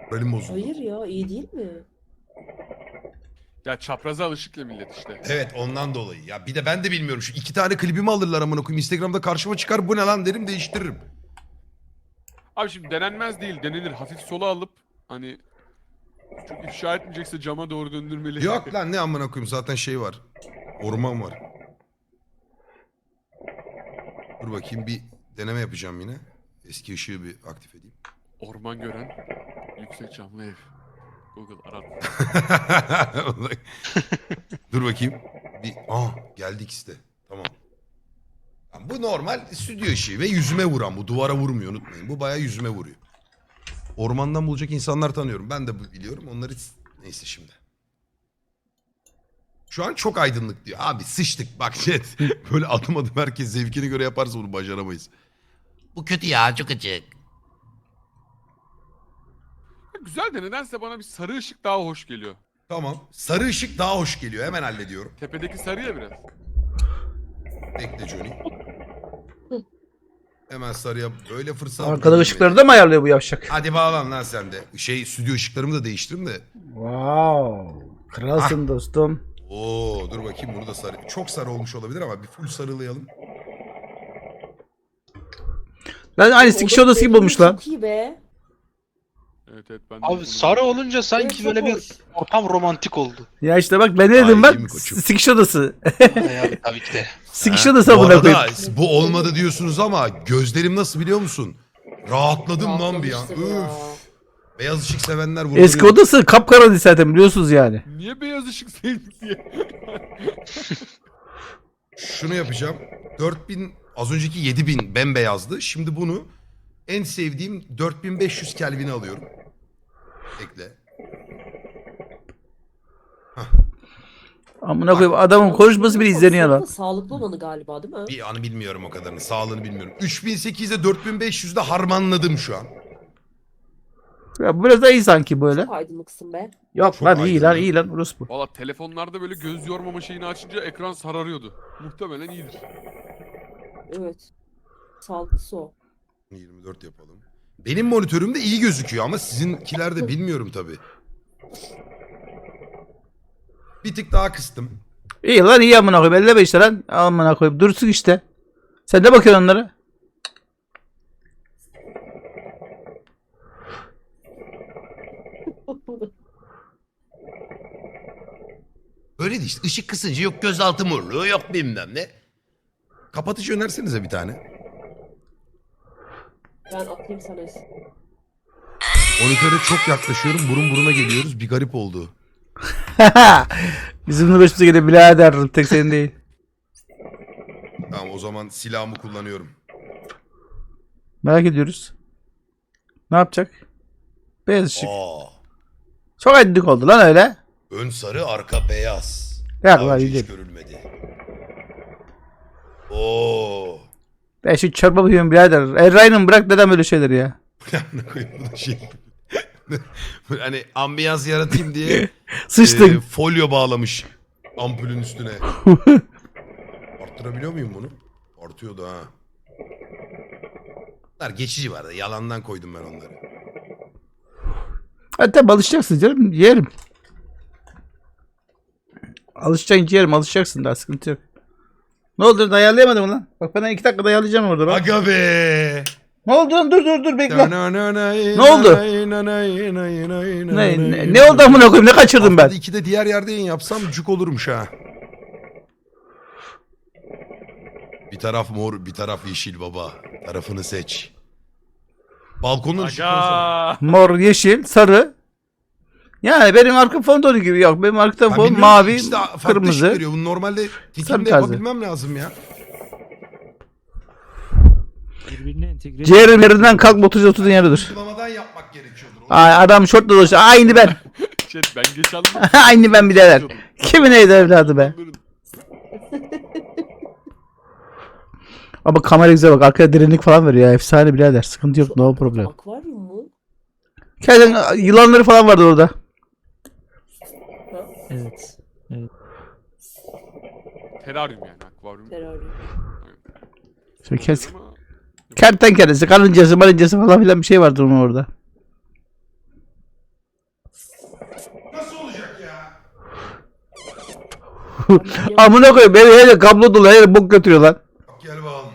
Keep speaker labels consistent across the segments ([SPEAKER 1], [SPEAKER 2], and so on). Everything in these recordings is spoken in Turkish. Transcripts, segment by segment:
[SPEAKER 1] Moralim bozuldu.
[SPEAKER 2] Hayır ya, iyi değil mi?
[SPEAKER 3] Ya çapraza alışık ya millet işte.
[SPEAKER 1] Evet ondan dolayı. Ya bir de ben de bilmiyorum. Şu 2 tane klibimi alırlar amına koyayım. Instagram'da karşıma çıkar bu ne lan derim değiştiririm.
[SPEAKER 3] Abi şimdi denenmez değil, denilir. Hafif sola alıp hani çok ifşa etmeyecekse cama doğru döndürmeli.
[SPEAKER 1] Yok lan ne amına koyayım zaten şey var. Orman var. Dur bakayım bir deneme yapacağım yine. Eski ışığı bir aktif edeyim.
[SPEAKER 3] Orman gören yüksek camlı ev. Google arat.
[SPEAKER 1] Dur bakayım. Geldi ikisi de. Tamam. Ya bu normal stüdyo ışığı ve yüzüme vuran bu. Duvara vurmuyor unutmayın. Bu bayağı yüzüme vuruyor. Ormandan bulacak insanlar tanıyorum. Ben de biliyorum. Onları neyse şimdi. Şu an çok aydınlık diyor. Abi sıçtık bak chat. Böyle adım adım herkes zevkine göre yaparsa bunu başaramayız. Bu kötü ya çok açık.
[SPEAKER 3] Güzel de nedense bana bir sarı ışık daha hoş geliyor.
[SPEAKER 1] Tamam. Sarı ışık daha hoş geliyor. Hemen hallediyorum.
[SPEAKER 3] Tepedeki sarı ya biraz.
[SPEAKER 1] Bekle Johnny. Hemen sarıya böyle fırsat.
[SPEAKER 4] Arkada ışıkları da mı ayarlıyor bu yavşak?
[SPEAKER 1] Hadi bağlan lan sen de. Stüdyo ışıklarımı da değiştirdim de.
[SPEAKER 4] Wow. Kralsın dostum.
[SPEAKER 1] Oo dur bakayım bunu da sarı. Çok sarı olmuş olabilir ama bir full sarılayalım.
[SPEAKER 4] Lan aynı sikiş odası gibi olmuş lan.
[SPEAKER 2] Çok iyi be.
[SPEAKER 3] Evet evet ben de
[SPEAKER 5] Abi
[SPEAKER 3] bunu-
[SPEAKER 5] sarı olunca sanki
[SPEAKER 2] Evet,
[SPEAKER 5] böyle
[SPEAKER 2] çok
[SPEAKER 5] bir
[SPEAKER 2] hoş.
[SPEAKER 5] ortam romantik oldu.
[SPEAKER 4] Ya işte bak ben ne dedim
[SPEAKER 1] Ay,
[SPEAKER 4] bak.
[SPEAKER 1] iyi mi koçum?
[SPEAKER 4] Sikiş odası.
[SPEAKER 5] Yani tabii ki de.
[SPEAKER 4] Sikiş odası
[SPEAKER 1] Bu
[SPEAKER 4] amına
[SPEAKER 1] arada
[SPEAKER 4] koyayım.
[SPEAKER 1] bu olmadı diyorsunuz ama gözlerim nasıl biliyor musun? Rahatladım lan bir an.
[SPEAKER 2] Rahatlamıştır ya.
[SPEAKER 1] Üf. Beyaz ışık sevenler burada.
[SPEAKER 4] Eski odası kapkaranlık zaten biliyorsunuz yani.
[SPEAKER 3] Niye beyaz ışık sevdik diye.
[SPEAKER 1] Şunu yapacağım. 4000 az önceki 7000 bembeyazdı. Şimdi bunu en sevdiğim 4500 Kelvin'e alıyorum. Ekle.
[SPEAKER 4] Amına koyayım adamın konuşması bile izleniyor lan.
[SPEAKER 2] Sağlıklı olanı galiba değil mi?
[SPEAKER 1] Bir anı bilmiyorum o kadarını. Sağlığını bilmiyorum. 3800'de 4500'de harmanladım şu an.
[SPEAKER 4] Ya biraz da iyi sanki böyle.
[SPEAKER 2] Çok aydınlıksın be.
[SPEAKER 4] Yok
[SPEAKER 1] Çok
[SPEAKER 4] lan iyi lan
[SPEAKER 1] aydınlık.
[SPEAKER 4] iyi lan orospu.
[SPEAKER 3] Valla telefonlarda böyle göz yormama şeyini açınca ekran sararıyordu. Muhtemelen iyidir.
[SPEAKER 2] Evet. Sağlıklısı o.
[SPEAKER 1] 24 yapalım. Benim monitörümde iyi gözüküyor ama sizinkilerde bilmiyorum tabii. Bir tık daha kıstım.
[SPEAKER 4] İyi lan iyi amına koyayım 55 işte lan. Amına koyayım dursun işte. Sen ne bakıyorsun onlara?
[SPEAKER 1] Öyle de işte ışık kısınca yok gözaltı morluğu yok bilmem ne. Kapatıcı önersenize bir tane.
[SPEAKER 2] Ben atayım sana.
[SPEAKER 1] Monitöre çok yaklaşıyorum burun buruna geliyoruz bir garip oldu.
[SPEAKER 4] Bizim de başımıza geliyor birader tek senin değil.
[SPEAKER 1] Tamam o zaman silahımı kullanıyorum.
[SPEAKER 4] Merak ediyoruz. Ne yapacak? Beyaz ışık.
[SPEAKER 1] Aa,
[SPEAKER 4] Çok aydınlık oldu lan öyle.
[SPEAKER 1] ön sarı arka beyaz.
[SPEAKER 4] Ya
[SPEAKER 1] Daha
[SPEAKER 4] lan
[SPEAKER 1] önce
[SPEAKER 4] iyi
[SPEAKER 1] hiç
[SPEAKER 4] değil.
[SPEAKER 1] görülmedi. Oo.
[SPEAKER 4] Ben şu çorba bakıyorum birader. Erray'ın bırak neden böyle şeyler ya.
[SPEAKER 1] Ne koyayım bu da şey. Hani ambiyans yaratayım diye
[SPEAKER 4] Sıçtık.
[SPEAKER 1] folyo bağlamış ampulün üstüne. Arttırabiliyor muyum bunu? Artıyordu ha. Bunlar geçici vardı. Yalandan koydum ben onları.
[SPEAKER 4] Hatta alışacaksın canım yerim. Alışacaksın yerim alışacaksın daha sıkıntı yok. Ne oldu lan ayarlayamadım lan. Bak ben 2 dakikada ayarlayacağım orada bak.
[SPEAKER 1] Aga be.
[SPEAKER 4] Ne oldu lan dur bekle. Ne oldu? Ne oldu amına koyayım ne kaçırdım ben?
[SPEAKER 1] Haftada 2'de diğer yerde yayın yapsam cuk olurmuş ha. Bir taraf mor, bir taraf yeşil baba. Tarafını seç. Balkonun
[SPEAKER 3] Aga.
[SPEAKER 4] Mor, yeşil, sarı. Yani benim arka fon tonu gibi yok. Benim arka fon mavi, kırmızı.
[SPEAKER 1] Veriyor. Bunu normalde
[SPEAKER 4] Sarı
[SPEAKER 1] tekimde
[SPEAKER 4] tarzı.
[SPEAKER 1] yapabilmem lazım ya.
[SPEAKER 6] Birbirine entegre.
[SPEAKER 4] Ciğerim yerinden kalk 30 yerde dur.
[SPEAKER 1] Uygulamadan yapmak gerekiyordur.
[SPEAKER 4] Ay, adam şortla dolaşıyor. Aynı ben.
[SPEAKER 3] Chat ben geç aldım.
[SPEAKER 4] Aynı ben birader. Kimin neydi evladı be? Ama kamera güzel bak. Arkaya derinlik falan veriyor ya. Efsane birader. Sıkıntı yok. No problem.
[SPEAKER 2] Akvaryum mu?
[SPEAKER 4] Kendin yılanları falan vardı orada.
[SPEAKER 6] Evet.
[SPEAKER 3] Teraryum yani akvaryum.
[SPEAKER 2] Teraryum.
[SPEAKER 4] Şöyle kes.
[SPEAKER 3] Ama
[SPEAKER 4] Kertenkelesi, karıncası, marıncası falan filan bir şey vardı onun orada.
[SPEAKER 1] Nasıl olacak ya?
[SPEAKER 4] Amına koyayım beni hele kablo dolu hele bok götürüyor lan.
[SPEAKER 1] Bak gel bakalım.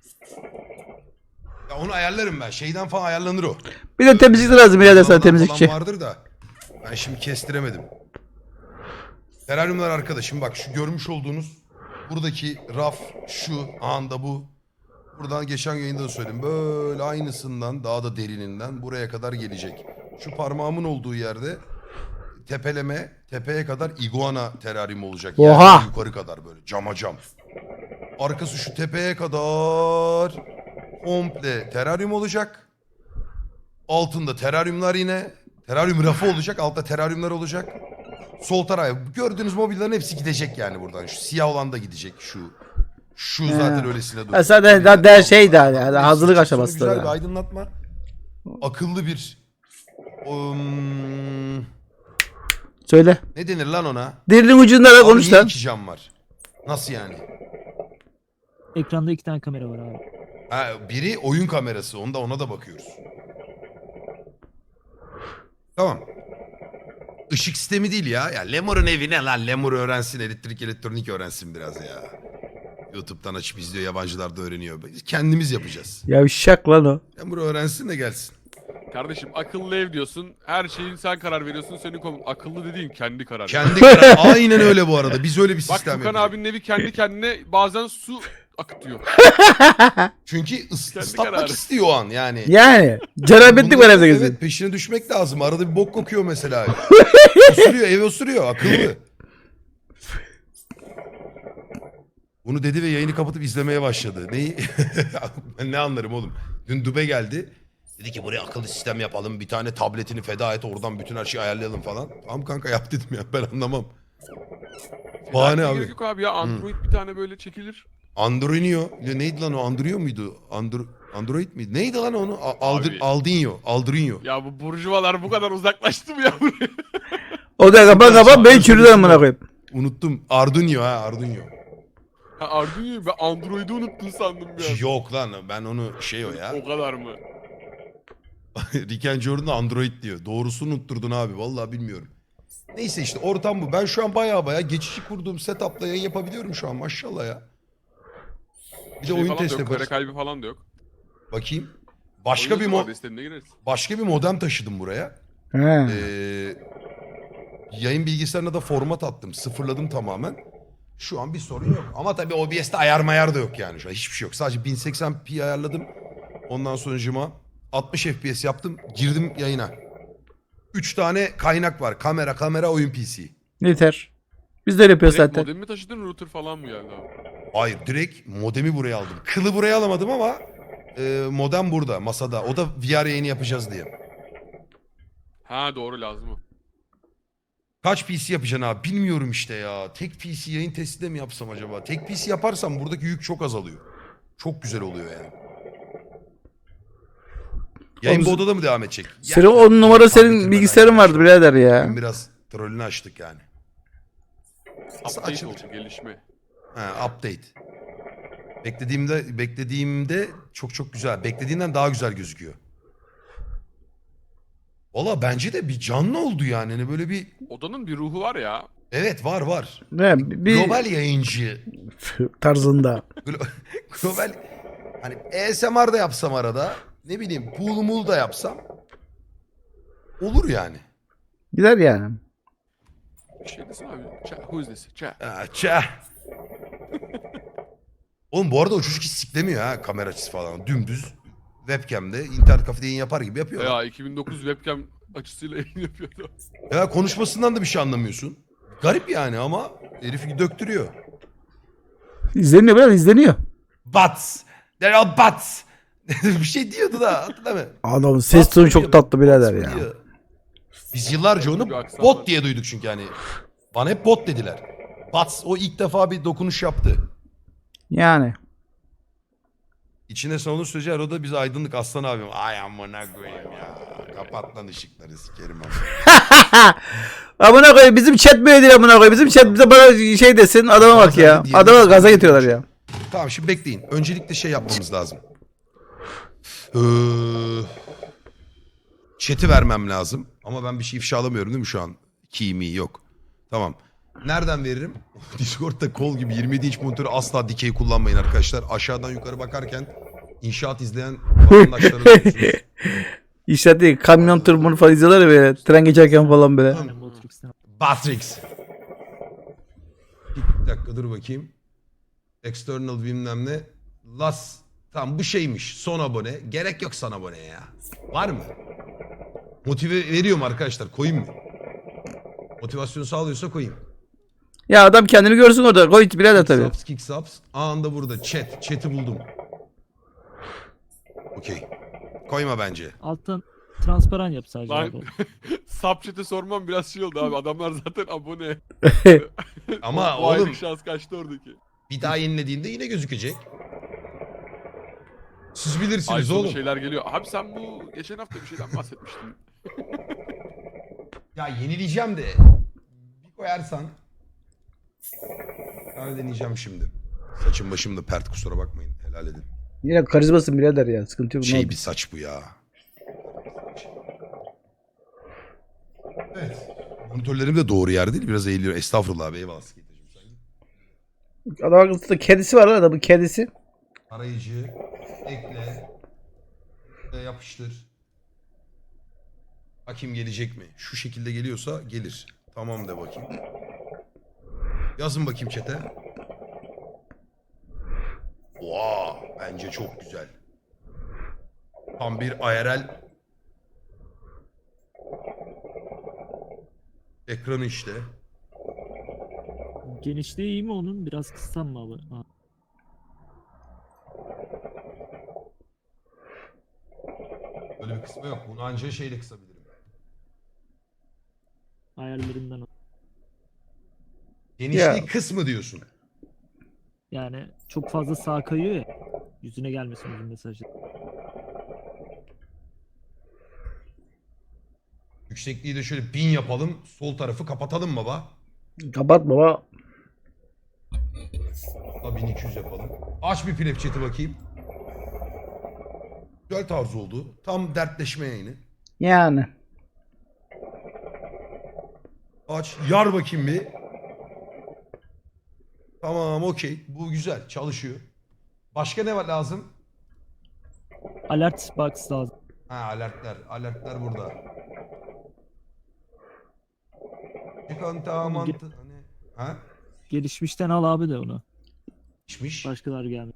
[SPEAKER 1] Ya onu ayarlarım ben. Şeyden falan ayarlanır o.
[SPEAKER 4] Bir de temizlik lazım birader sana
[SPEAKER 1] Falan
[SPEAKER 4] temizlikçi.
[SPEAKER 1] vardır da. Ben şimdi kestiremedim. Teraryumlar arkada. Şimdi bak şu görmüş olduğunuz buradaki raf şu anda bu. Buradan geçen yayında da söyledim. Böyle aynısından daha da derininden buraya kadar gelecek. Şu parmağımın olduğu yerde tepeye kadar iguana teraryum olacak.
[SPEAKER 4] Oha!
[SPEAKER 1] Yerden yukarı kadar böyle cama cam. Arkası şu tepeye kadar komple teraryum olacak. Altında teraryumlar yine. Teraryum rafı olacak. Altta teraryumlar olacak. Sol tarafa gördüğünüz mobilyaların hepsi gidecek yani buradan. Şu siyah olan da gidecek şu zaten öylesine
[SPEAKER 4] Ha,
[SPEAKER 1] duruyor.
[SPEAKER 4] zaten daha şey daha yani
[SPEAKER 1] Hepsi
[SPEAKER 4] hazırlık
[SPEAKER 1] çıksın,
[SPEAKER 4] aşaması
[SPEAKER 1] güzel bir
[SPEAKER 4] da.
[SPEAKER 1] aydınlatma. Akıllı bir
[SPEAKER 4] Söyle.
[SPEAKER 1] ne denir lan ona?
[SPEAKER 4] Dilin ucunda da
[SPEAKER 1] Abi
[SPEAKER 4] konuş
[SPEAKER 1] niye
[SPEAKER 4] lan.
[SPEAKER 1] iki cam var? Nasıl yani?
[SPEAKER 6] Ekranda 2 tane kamera var abi.
[SPEAKER 1] Ha, biri oyun kamerası. Ona da bakıyoruz. Tamam. Işık sistemi değil ya. Ya Lemur'un evi ne lan? Lemur öğrensin, elektrik elektronik öğrensin biraz ya. YouTube'dan açıp izliyor, yabancılar da öğreniyor. Biz kendimiz yapacağız.
[SPEAKER 4] Yavşak lan o.
[SPEAKER 1] Lemur öğrensin de gelsin.
[SPEAKER 3] Kardeşim akıllı ev diyorsun. Her şeyin sen karar veriyorsun. Senin akıllı dediğin kendi karar.
[SPEAKER 1] Kendi karar. Aynen öyle bu arada. Biz öyle bir
[SPEAKER 3] Bak
[SPEAKER 1] sistem
[SPEAKER 3] Furkan
[SPEAKER 1] yapacağız.
[SPEAKER 3] abinin evi kendi kendine bazen su akıtıyor.
[SPEAKER 1] Çünkü
[SPEAKER 3] Kendi
[SPEAKER 1] ıslatmak
[SPEAKER 3] kararı.
[SPEAKER 1] istiyor o an yani.
[SPEAKER 4] Yani. Cenabetlik var evde gezin.
[SPEAKER 1] Evet, peşine düşmek lazım. Arada bir bok kokuyor mesela. Osuruyor, ev osuruyor. Akıllı. Bunu dedi ve yayını kapatıp izlemeye başladı. Neyi? Ben ne anlarım oğlum. Dün Dube geldi. Dedi ki buraya akıllı sistem yapalım. Bir tane tabletini feda et. Oradan bütün her şeyi ayarlayalım falan. Tamam kanka yap dedim ya. Ben anlamam. Bahane
[SPEAKER 3] Gerek
[SPEAKER 1] abi.
[SPEAKER 3] yok abi ya. Android bir tane böyle çekilir.
[SPEAKER 1] Androinio. Ya neydi lan o? Android muydu? Android miydi? Neydi lan onu?
[SPEAKER 3] Abi.
[SPEAKER 1] Aldrinho.
[SPEAKER 3] Ya bu burjuvalar bu kadar uzaklaştı mı ya buraya?
[SPEAKER 4] O da kapan ben çürüdüm amına koyayım.
[SPEAKER 1] Unuttum. Arduino.
[SPEAKER 3] Ha Arduino'yu ben Android'i unuttun sandım ya.
[SPEAKER 1] Yok lan ben onu o ya.
[SPEAKER 3] O kadar mı?
[SPEAKER 1] Rick and Jordan Android diyor. Doğrusunu unutturdun abi. Vallahi bilmiyorum. Neyse işte ortam bu. Ben şu an baya geçici kurduğum setup'la yayın yapabiliyorum şu an maşallah ya. Bir de oyun
[SPEAKER 3] falan da
[SPEAKER 1] test
[SPEAKER 3] yok. Kare
[SPEAKER 1] yaparız.
[SPEAKER 3] kaybı falan da yok.
[SPEAKER 1] Bakayım. Başka bir modem taşıdım buraya.
[SPEAKER 4] He.
[SPEAKER 1] Yayın bilgisayarına da format attım. Sıfırladım tamamen. Şu an bir sorun yok. Ama tabii OBS'te ayar da yok yani şu an. Hiçbir şey yok. Sadece 1080p ayarladım. Ondan sonucuma 60 FPS yaptım. Girdim yayına. 3 tane kaynak var. Kamera, oyun PC.
[SPEAKER 4] Yeter. Biz de öyle yapıyoruz
[SPEAKER 3] Direkt
[SPEAKER 4] zaten.
[SPEAKER 3] modemi mi taşıdın router falan mı geldi abi?
[SPEAKER 1] Hayır direkt modemi buraya aldım. Kılı buraya alamadım ama modem burada masada. O da VR yayını yapacağız diye.
[SPEAKER 3] Ha doğru lazım o.
[SPEAKER 1] Kaç PC yapacaksın abi? Bilmiyorum işte ya. Tek PC yayın testi de mi yapsam acaba? Tek PC yaparsam buradaki yük çok azalıyor. Çok güzel oluyor yani. Yayın bu odada mı devam edecek?
[SPEAKER 4] Senin 10 numara
[SPEAKER 1] tam
[SPEAKER 4] senin
[SPEAKER 1] bitirmeden
[SPEAKER 4] bilgisayarın vardı
[SPEAKER 1] yapmışım.
[SPEAKER 4] birader ya.
[SPEAKER 1] Bugün biraz trollünü açtık yani. Nasıl
[SPEAKER 3] Update
[SPEAKER 1] açılır?
[SPEAKER 3] oldu gelişme.
[SPEAKER 1] Ha, update. Beklediğimde çok güzel. Beklediğimden daha güzel gözüküyor. Valla bence de bir canlı oldu yani. Hani böyle bir
[SPEAKER 3] Odanın bir ruhu var ya.
[SPEAKER 1] evet var.
[SPEAKER 4] Ne, bir
[SPEAKER 1] Global yayıncı.
[SPEAKER 4] tarzında.
[SPEAKER 1] Global hani ASMR da yapsam arada ne bileyim pool da yapsam olur yani.
[SPEAKER 4] Gider yani.
[SPEAKER 3] Bir şey desene abi. Who is this?
[SPEAKER 1] Çah. Oğlum bu arada o çocuk hiç siklemiyor ha kamera açısı falan. Dümdüz webcam'de internet kafede yayın yapar gibi yapıyor.
[SPEAKER 3] Ya 2009 webcam açısıyla yayın yapıyordu.
[SPEAKER 1] Ya konuşmasından da bir şey anlamıyorsun. Garip yani ama herifi döktürüyor.
[SPEAKER 4] İzleniyor biraz izleniyor.
[SPEAKER 1] Butts. There are butts. Bir şey diyordu da hatırlamıyorum.
[SPEAKER 4] Adamın ses
[SPEAKER 1] Butts
[SPEAKER 4] tonu
[SPEAKER 1] mı
[SPEAKER 4] çok
[SPEAKER 1] diyor,
[SPEAKER 4] tatlı birader
[SPEAKER 1] butts mı
[SPEAKER 4] ya.
[SPEAKER 1] diyor. Biz yıllarca onu
[SPEAKER 3] Bir aksan
[SPEAKER 1] bot
[SPEAKER 3] var.
[SPEAKER 1] diye duyduk çünkü yani. Bana hep bot dediler. Butts o ilk defa bir dokunuş yaptı.
[SPEAKER 4] Yani.
[SPEAKER 1] İçine sonlu sürece arada bize aydınlık aslan abim. Ay amına koyayım ya. Kapat lan ışıkları sikerim ama.
[SPEAKER 4] Amına koyayım bizim chat böyle değil amına koyayım. Bizim chat bize bana şey desin adama bak ya. Adama gaza getiriyorlar ya.
[SPEAKER 1] Tamam şimdi bekleyin. Öncelikle şey yapmamız lazım. Chat'i vermem lazım. Ama ben bir şey ifşalamıyorum değil mi şu an? Kimi yok. Tamam. Nereden veririm? Discord'da kol gibi 27 inç monitörü asla dikey kullanmayın arkadaşlar. Aşağıdan yukarı bakarken inşaat izleyen vatandaşlara diyorsunuz.
[SPEAKER 4] İşte değil, kamyon tırmanı falan izliyorlar ya böyle. Tren geçerken falan böyle.
[SPEAKER 1] Tamam.
[SPEAKER 6] Yani Matrix'ten.
[SPEAKER 1] Batrix. Bir dakika dur bakayım. External bilmem ne. Las. Tamam bu şeymiş. Son abone. Gerek yok son aboneye ya. Var mı? Motive veriyor mu arkadaşlar? Koyayım mı? Motivasyon sağlıyorsa koyayım.
[SPEAKER 4] Ya adam kendini görsün orada. Koy birader tabii.
[SPEAKER 1] Kick subs, kick subs. Anında burada. Chat. Chat'i buldum. Okey. Koyma bence.
[SPEAKER 6] Alttan transparan yap sadece.
[SPEAKER 3] Lan
[SPEAKER 6] abi.
[SPEAKER 3] Subchat'e sormam biraz şey oldu abi. Adamlar zaten abone.
[SPEAKER 1] Ama
[SPEAKER 3] Bu aylık
[SPEAKER 1] oğlum
[SPEAKER 3] şans kaçtı oradaki.
[SPEAKER 1] bir daha yenilediğinde yine gözükecek. Siz
[SPEAKER 3] Ay
[SPEAKER 1] bilirsiniz
[SPEAKER 3] sonu
[SPEAKER 1] oğlum.
[SPEAKER 3] şeyler geliyor. Abi sen bu geçen hafta bir şeyden bahsetmiştin.
[SPEAKER 1] Ya yenileyeceğim de. Bir koyarsan. Ben deneyeceğim şimdi. Saçım başım da pert kusura bakmayın. Helal edin.
[SPEAKER 4] Yine karizmasın birader ya. Sıkıntı yok.
[SPEAKER 1] Şey bir saç bu ya. Evet. Monitörlerim de doğru yer değil. Biraz eğiliyor. Estağfurullah abi. Eyvallah. Skateciğim sen.
[SPEAKER 4] Adam akıllı kedisi var lan adamın kedisi.
[SPEAKER 1] Arayıcı. Ekle. Yapıştır. Bakayım gelecek mi? Şu şekilde geliyorsa gelir. Tamam de bakayım. Yazın bakayım chat'e. Oha, bence çok güzel. Tam bir IRL ekranı işte.
[SPEAKER 6] Genişliği iyi mi onun? Biraz kıssam mı abi? Ha.
[SPEAKER 1] Böyle bir kısmı yok. Bunu ancak şeyle kısabilirim.
[SPEAKER 6] Ayarlarından.
[SPEAKER 1] Genişliği
[SPEAKER 4] Ya.
[SPEAKER 1] kısmı diyorsun.
[SPEAKER 6] Yani çok fazla sağ kayıyor ya. Yüzüne gelmesin uzun mesajı.
[SPEAKER 1] Yüksekliği de şöyle 1000 yapalım. Sol tarafı kapatalım baba.
[SPEAKER 4] Kapat baba.
[SPEAKER 1] Da 1200 yapalım. Aç bir plep chat'i bakayım. Güzel tarz oldu. Tam dertleşme yayını.
[SPEAKER 4] Yani.
[SPEAKER 1] Aç. Yar bakayım bir. Tamam okey. Bu güzel. Çalışıyor. Başka ne var lazım?
[SPEAKER 6] Alert box lazım.
[SPEAKER 1] Ha alertler. Alertler burada. Çıkan tamantı. Hani. Ha?
[SPEAKER 6] Gelişmişten al abi de onu.
[SPEAKER 1] Pişmiş.
[SPEAKER 6] Başkalar gelmiyor.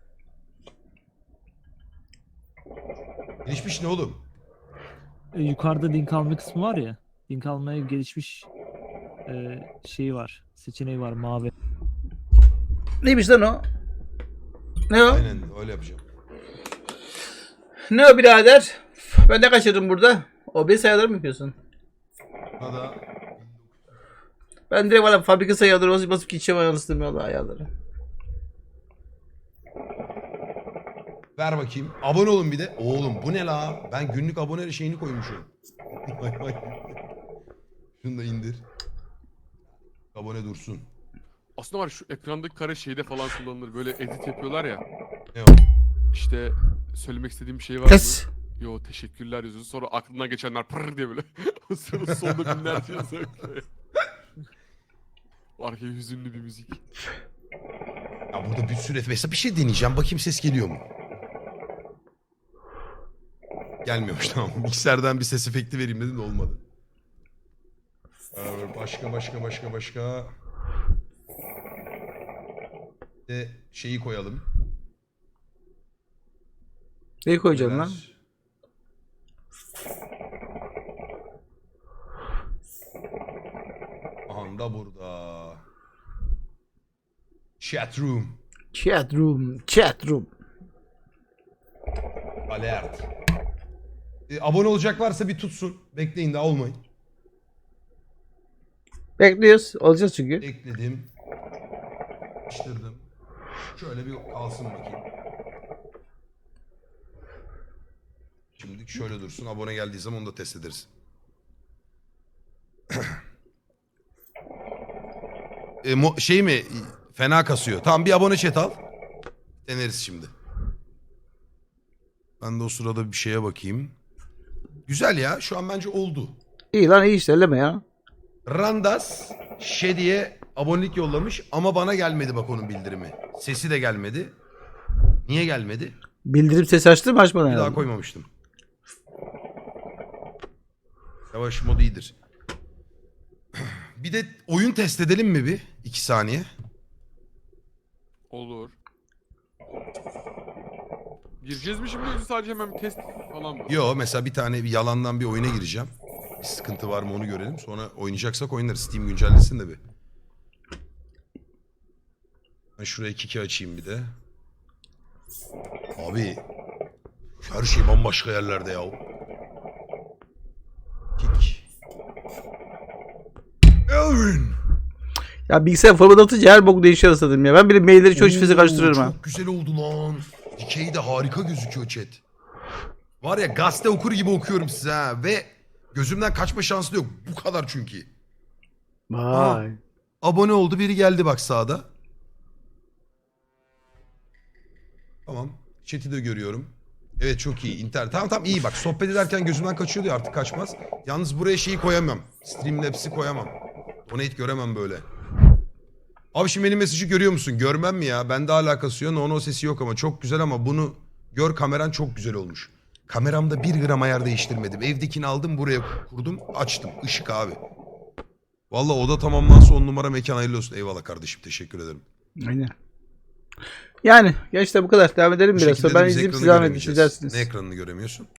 [SPEAKER 1] Gelişmiş ne oğlum?
[SPEAKER 6] Yukarıda link alma kısmı var ya. Link almaya gelişmiş şeyi var. Seçeneği var mavi.
[SPEAKER 4] Neymiş lan o? Ne o?
[SPEAKER 1] Aynen öyle yapacağım.
[SPEAKER 4] Ne o birader? Ben ne kaçırdım burada? O bir sayıları mı yapıyorsun?
[SPEAKER 1] Buna da
[SPEAKER 4] Ben direkt bana fabrika sayıları basıp gideceğim anasını valla ayarları.
[SPEAKER 1] ver bakayım. Abone olun bir de. Oğlum bu ne la? Ben günlük abone şeyini koymuşum. Vay vay. Şunu da indir. Abone dursun.
[SPEAKER 3] Aslında var şu ekrandaki kare şeyde falan kullanılır. Böyle edit yapıyorlar ya.
[SPEAKER 1] Ne o?
[SPEAKER 3] İşte söylemek istediğim bir şey var
[SPEAKER 4] Kes.
[SPEAKER 3] mı? Yo teşekkürler yazıyorsun. Sonra aklına geçenler pırr diye böyle. O sırada sonunda binlerce yazıyor. Arkaya hüzünlü bir müzik.
[SPEAKER 1] Ya burada bir sürü mesela bir şey deneyeceğim. Bakayım ses geliyor mu? Gelmiyormuş tamam. Mikserden bir ses efekti vereyim dedim de olmadı. Başka. De şeyi koyalım.
[SPEAKER 4] Neyi koyacağım lan?
[SPEAKER 1] Aha da burada. Chat room.
[SPEAKER 4] Chat room. Chat room.
[SPEAKER 1] Alert. Abone olacak varsa bir tutsun. Bekleyin daha olmayın.
[SPEAKER 4] Bekliyoruz. Olacağız çünkü.
[SPEAKER 1] Ekledim. Yapıştırdım. Şöyle bir kalsın bakayım. Şimdi şöyle dursun. Abone geldiği zaman onu da test ederiz. Şey mi? Fena kasıyor. Tamam bir abone chat al. Deneriz şimdi. Ben de o sırada bir şeye bakayım. Güzel ya. Şu an bence oldu.
[SPEAKER 4] İyi lan iyi işte elleme ya.
[SPEAKER 1] Randas Şedi'ye abonelik yollamış ama bana gelmedi bak onun bildirimi. Sesi de gelmedi. Niye gelmedi?
[SPEAKER 4] Bildirim sesi açtın mı açmadın
[SPEAKER 1] Bir daha
[SPEAKER 4] herhalde?
[SPEAKER 1] koymamıştım. Yavaş modu iyidir. Bir de oyun test edelim mi bir? 2 saniye.
[SPEAKER 3] Olur. Gireceğiz mi şimdi yoksa sadece hemen bir test falan mı?
[SPEAKER 1] Yo mesela bir tane bir yalandan bir oyuna gireceğim. Bir sıkıntı var mı onu görelim. Sonra oynayacaksak oynarız. Steam güncellesin de bir. Ben şuraya kiki açayım bir de. Abi her şey bambaşka yerlerde ya. Kik. Elvin.
[SPEAKER 4] Ya bilgisayar format atınca her bok değişiyor sanırım ya. Ben bile mailleri çoğu çiftesi
[SPEAKER 1] Oo,
[SPEAKER 4] karıştırıyorum ha.
[SPEAKER 1] Çok güzel oldu lan. Dikeyi de harika gözüküyor chat. Var ya gazete okur gibi okuyorum size ha. Ve gözümden kaçma şansı da yok. Bu kadar çünkü.
[SPEAKER 4] Vay.
[SPEAKER 1] Abone oldu biri geldi bak sağda. Tamam. Chat'i de görüyorum. Evet çok iyi. İnternet. Tamam iyi bak. Sohbet ederken gözümden kaçıyordu ya artık kaçmaz. Yalnız buraya şeyi koyamam. Streamlabs'i koyamam. Donate göremem böyle. Abi şimdi benim mesajı görüyor musun? Görmem mi ya? Bende alakası yok. No sesi yok ama çok güzel ama bunu gör kameran çok güzel olmuş. Kameramda 1 gram ayar değiştirmedim. Evdekini aldım buraya kurdum açtım. Işık abi. Vallahi oda tamamlansa 10 numara mekan hayırlı olsun. Eyvallah kardeşim teşekkür ederim.
[SPEAKER 4] Aynen. Yani gençler bu kadar. Devam edelim
[SPEAKER 1] Bu
[SPEAKER 4] biraz.
[SPEAKER 1] şekilde
[SPEAKER 4] Sonra
[SPEAKER 1] de
[SPEAKER 4] ben
[SPEAKER 1] biz
[SPEAKER 4] izleyeyim
[SPEAKER 1] ekranı
[SPEAKER 4] siz devam edin.
[SPEAKER 1] göremeyeceğiz.
[SPEAKER 4] İzlersiniz.
[SPEAKER 1] Ne ekranını göremiyorsun?